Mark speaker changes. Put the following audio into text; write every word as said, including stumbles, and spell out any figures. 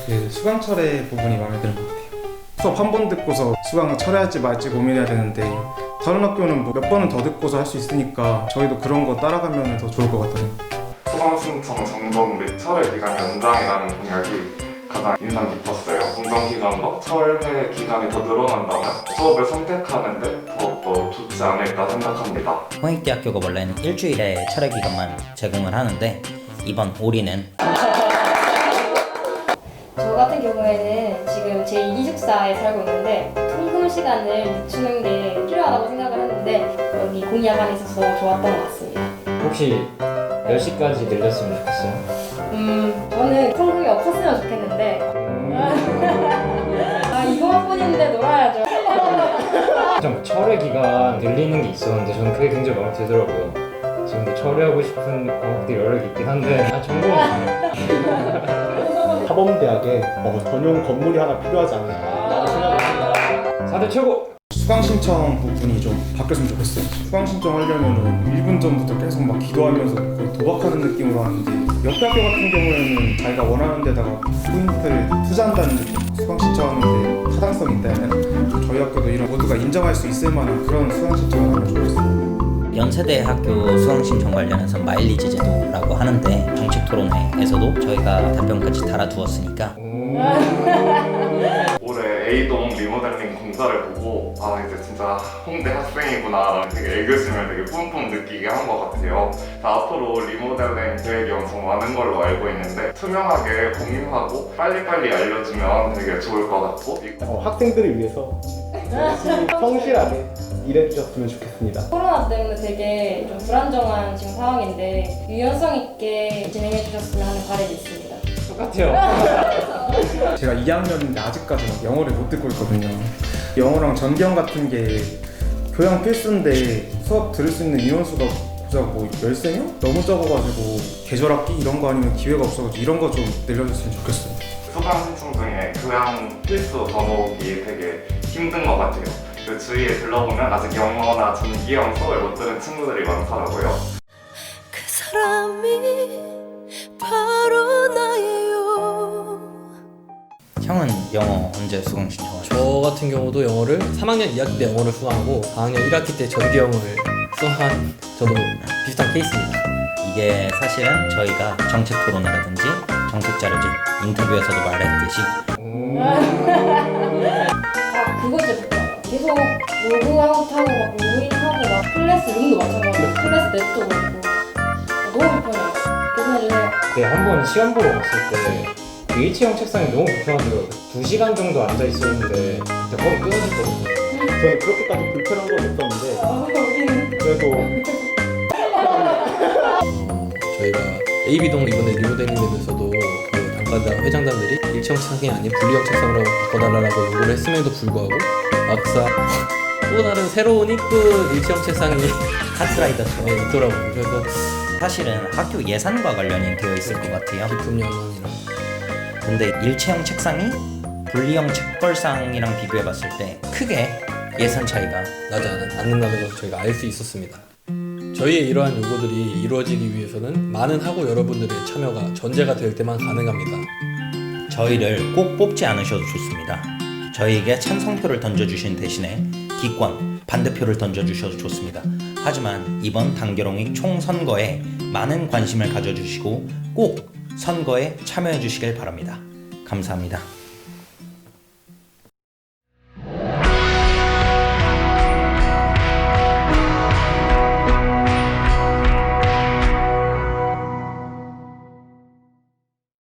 Speaker 1: 그 수강 철회 부분이 마음에 드는 것 같아요. 수업 한 번 듣고서 수강 철회할지 말지 고민해야 되는데 다른 학교는 뭐 몇 번은 더 듣고서 할 수 있으니까 저희도 그런 거 따라가면 더 좋을 것 같아요.
Speaker 2: 수강 신청 점검 및 철회 기간 연장이라는 공약이 가장 인상 깊었어요. 공정 기간과 철회 기간이 더 늘어난다면 수업을 선택하는데 더욱더 좋지 않을까 생각합니다.
Speaker 3: 홍익대학교가 원래는 일주일에 철회 기간만 제공을 하는데 이번 올해는
Speaker 4: 저 같은 경우에는 지금 제이 기숙사에 살고 있는데 통금 시간을 늦추는 게 필요하다고 생각을 했는데 여기 공약 안에 있어서 좋았던 것 같습니다.
Speaker 5: 혹시 몇 시까지 늘렸으면 좋겠어요?
Speaker 4: 음, 저는 통금이 없었으면 좋겠는데 아 이번뿐인데 놀아야죠.
Speaker 5: 좀 철회 기간 늘리는 게 있었는데 저는 그게 굉장히 마음에 들더라고요. 지금도 철회하고 싶은 과목들이 여러 개 있긴 한데 아 전공은 아니에요.
Speaker 6: 사범대학에 어, 전용 건물이 하나 필요하지 않을까 생각을 합니다.
Speaker 5: 사대 최고!
Speaker 1: 수강 신청 부분이 좀 바뀌었으면 좋겠어요. 수강 신청하려면 일 분 전부터 계속 막 기도하면서 거의 도박하는 느낌으로 하는데 옆에 학교 같은 경우에는 자기가 원하는 데다가 포인트를 투자한다는 느낌. 수강 신청하는데 타당성이 있다면 저희 학교도 이런 모두가 인정할 수 있을 만한 그런 수강 신청을 하면 좋겠어요.
Speaker 3: 연세대 학교 수강 신청 관련해서 마일리지 제도라고 하는데 정책 토론회에서도 저희가 답변까지 달아두었으니까
Speaker 2: 올해 A동 리모델링 공사를 보고 아 이제 진짜 홍대 학생이구나 되게 애교심을 되게 뿜뿜 느끼게 한 것 같아요. 자, 앞으로 리모델링 계획이 엄청 많은 걸로 알고 있는데 투명하게 공유하고 빨리빨리 알려주면 되게 좋을 것 같고
Speaker 6: 어, 학생들을 위해서 열심히 성실하게 일해주셨으면 좋겠습니다.
Speaker 4: 코로나 때문에 되게 좀 불안정한 지금 상황인데 유연성 있게 진행해 주셨으면 하는 바람이 있습니다.
Speaker 5: 똑같아요.
Speaker 1: 제가 이 학년인데 아직까지 막 영어를 못 듣고 있거든요. 영어랑 전경 같은 게 교양 필수인데 수업 들을 수 있는 인원수가 고작 뭐 열세 명? 너무 적어가지고 계절학기 이런 거 아니면 기회가 없어가지고 이런 거 좀 늘려줬으면 좋겠어요.
Speaker 2: 수강 신청 중에 교양 필수 과목이 되게 힘든 것 같아요. 그 주위에 들러보면 아직 영어나 전기형 수업을 못 들은 친구들이 많더라고요.
Speaker 7: 그 사람이 바로 나예요.
Speaker 3: 형은 영어 언제 수강 신청하셨어요?
Speaker 8: 저 같은 경우도 영어를 삼 학년 이 학기 때 영어를 수강하고 사 학년 일 학기 때 전기영어를 수강한 저도 비슷한 케이스입니다.
Speaker 3: 이게 사실은 저희가 정책 토론회라든지 정책 자료집 인터뷰에서도 말했듯이
Speaker 4: 아 그거 진짜 좋다. 계속 로그아웃하고 막 로그인하고 막 클래스 룸도 마찬가지고 클래스 넷도 그렇고 아, 너무 불편해요. 계산해주세요.
Speaker 5: 네, 한 번 시간 보러 갔을 때 그 일체형 책상이 너무 불편하더라고요. 두 시간 정도 앉아 있었는데 그때 거의 끊어졌거든요.
Speaker 6: 저는 그렇게까지 불편한 건 없었는데
Speaker 4: 아 여기는
Speaker 6: 그래도
Speaker 8: 어, 저희가 에이비동 이번에 리모델링 되면서도 그 단과당 회장단들이 일체형 책상이 아닌 분리형 책상으로 바꿔달라고 요구를 했음에도 불구하고 막상 또 다른 새로운 이쁜 일체형 책상이
Speaker 3: 카트라이더처럼
Speaker 8: 네, 있더라고요. 그래서
Speaker 3: 사실은 학교 예산과 관련이 되어 있을 것 같아요.
Speaker 8: 기품연원이랑
Speaker 3: 근데 일체형 책상이 분리형 책걸상이랑 비교해봤을 때 크게 예산 차이가
Speaker 8: 나지 않- 않는다는 것을 저희가 알 수 있었습니다. 저희의 이러한 요구들이 이루어지기 위해서는 많은 학우 여러분들의 참여가 전제가 될 때만 가능합니다.
Speaker 3: 저희를 꼭 뽑지 않으셔도 좋습니다. 저희에게 찬성표를 던져주신 대신에 기권, 반대표를 던져주셔도 좋습니다. 하지만 이번 단결홍익 총선거에 많은 관심을 가져주시고 꼭 선거에 참여해 주시길 바랍니다. 감사합니다.